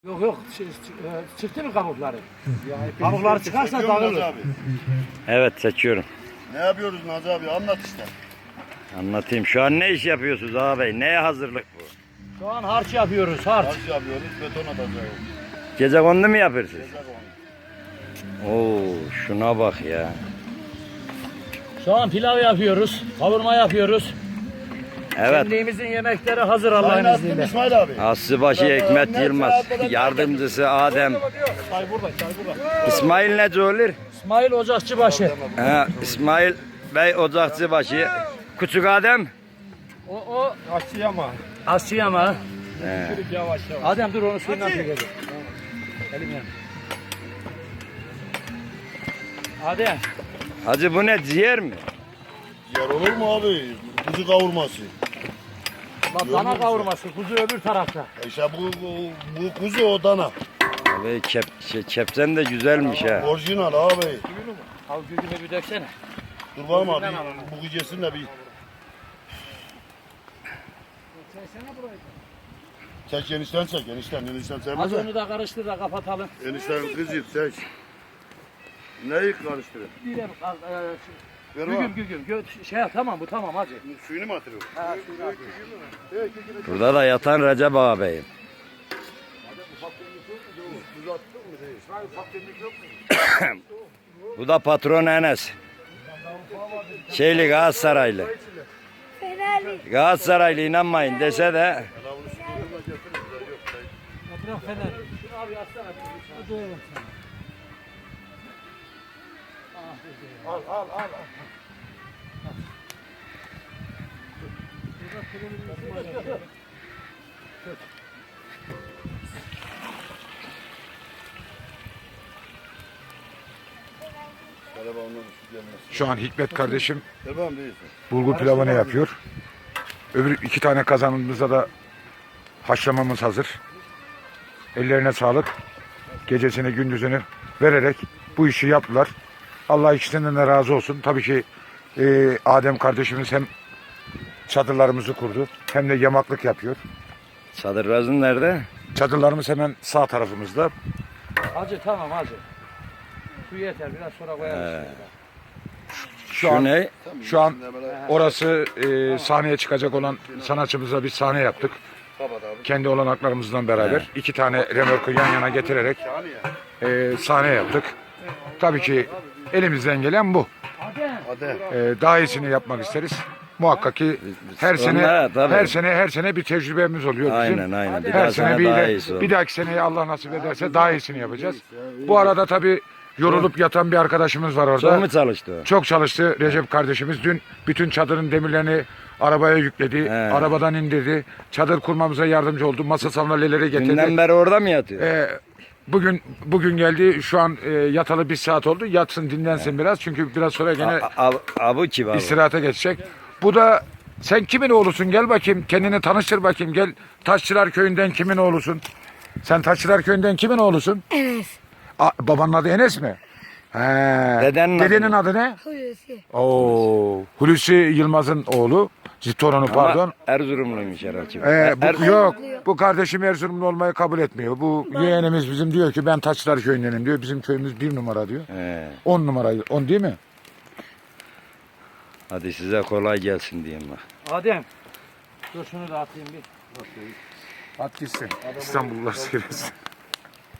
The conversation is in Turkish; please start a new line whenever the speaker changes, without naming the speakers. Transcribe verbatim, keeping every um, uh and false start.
Yok yok ç- ç- e, çıktı mı kabukları? Kabukları çıkarsa
Çekiyor musun Nazi
dağılır.
abi?
Evet, seçiyorum.
Ne yapıyoruz Nazi abi? Anlat işte.
Anlatayım. Şu an ne iş yapıyorsunuz ağabey? Neye hazırlık bu?
Şu an harç yapıyoruz harç.
Harç yapıyoruz, beton atacağız.
Gece kondu mu yapıyorsunuz?
Gezek onu.
Oo, şuna bak ya.
Şu an pilav yapıyoruz, kavurma yapıyoruz.
Evet.
Kendimizin yemekleri hazır Allah'ın
Sayın attın
izniyle.
İsmail abi.
Aslıbaşı Hikmet Yılmaz. Yardımcısı Adem.
Çay burada, çay burada.
İsmail nece olur?
İsmail Ocakçıbaşı.
Ha, İsmail Bey Ocakçıbaşı. Küçük Adem.
O o Asyama. Asyama.
He.
Yavaş yavaş. Adem dur onu suyundan çekelim. Elim yan. Adem.
Hacı bu ne, ciğer mi?
Yer olur mu abi? Kuzu kavurması.
Bak dana kavurması, kuzu öbür tarafta.
E İşte bu, bu, bu kuzu o dana.
Abi kep, şey, kepsen de güzelmiş ha.
Orijinal abi.
Al gücüme bir döksene.
Dur bakalım abi. Bu gecesin de bir. Çek enişten çek. Enişten, enişten
Az
sevmez mi?
onu da karıştır da kapatalım.
Enişten kızı çek. Neyi karıştırın?
Bir al, e,
Ver
gügüm
bak.
gügüm. Gö- şey tamam bu tamam hacı.
Suyunu mu atırıyor?
Ha, suyunu atayım.
Burada da yatan Recep ağabeyim. Bu da patron Enes. Şeyli Galatasaraylı. Galatasaraylı inanmayın dese de
Bırak fener. Şunu abi atsana. Hadi.
Al al al.
Şu an Hikmet kardeşim
Devam değilsin.
bulgur pilavını yapıyor. Öbür iki tane kazanımızda da haşlamamız hazır. Ellerine sağlık. Gecesini gündüzünü vererek bu işi yaptılar. Allah ikisinden de razı olsun. Tabii ki e, Adem kardeşimiz hem çadırlarımızı kurdu hem de yamaklık yapıyor.
çadırrazın nerede?
Çadırlarımız hemen sağ tarafımızda.
Hacı tamam hacı. Su yeter biraz sonra koyarız.
Şu
Şu
an
ne?
şu an orası e, sahneye çıkacak olan sanatçımıza bir sahne yaptık. Kendi olanaklarımızdan beraber iki tane remorku yan yana getirerek e, sahne yaptık. Tabii ki elimizden gelen bu.
Hadi.
E, daha iyisini yapmak isteriz. Muhakkak ki her sene
Onlar, tabii.
her sene her sene bir tecrübemiz oluyor bizim.
Aynen aynen. Bir
Her
daha
sene
sene
bir,
daha
de-
iyisi olur.
bir dahaki seneye Allah nasip ederse daha iyisini yapacağız. Bu arada tabii yorulup yatan bir arkadaşımız var orada.
Çok mu çalıştı o?
Çok çalıştı Recep kardeşimiz. Dün bütün çadırın demirlerini arabaya yükledi.
He.
Arabadan indirdi. Çadır kurmamıza yardımcı oldu. Masa sandalyeleri getirdi.
Dünden beri orada mı yatıyor?
Ee, bugün bugün geldi. Şu an e, yatalı bir saat oldu. Yatsın dinlensin biraz. Çünkü biraz sonra gene
A- a- Abu kim abi?
istirahate geçecek. Bu da sen kimin oğlusun? Gel bakayım. Kendini tanıştır bakayım. Gel Taşçılar Köyü'nden kimin oğlusun? Sen Taşçılar Köyü'nden kimin oğlusun?
Enes.
A, babanın adı Enes mi? He.
Dedenin adı
Dedenin
ne?
adı ne?
Hulusi.
Oo, Hulusi Yılmaz'ın oğlu. Torunu pardon.
Ama Erzurumluymuş herhalde.
Ee, bu,
Er-
yok, bu kardeşim Erzurumlu olmayı kabul etmiyor. Bu yeğenimiz bizim diyor ki ben Taçlar Köyü'ndenim diyor. Bizim köyümüz bir numara diyor.
He.
On numara, on değil mi?
Hadi size kolay gelsin diyeyim bak.
Adem. Dur şunu da atayım bir.
At gitsin. İstanbullular seyretsin.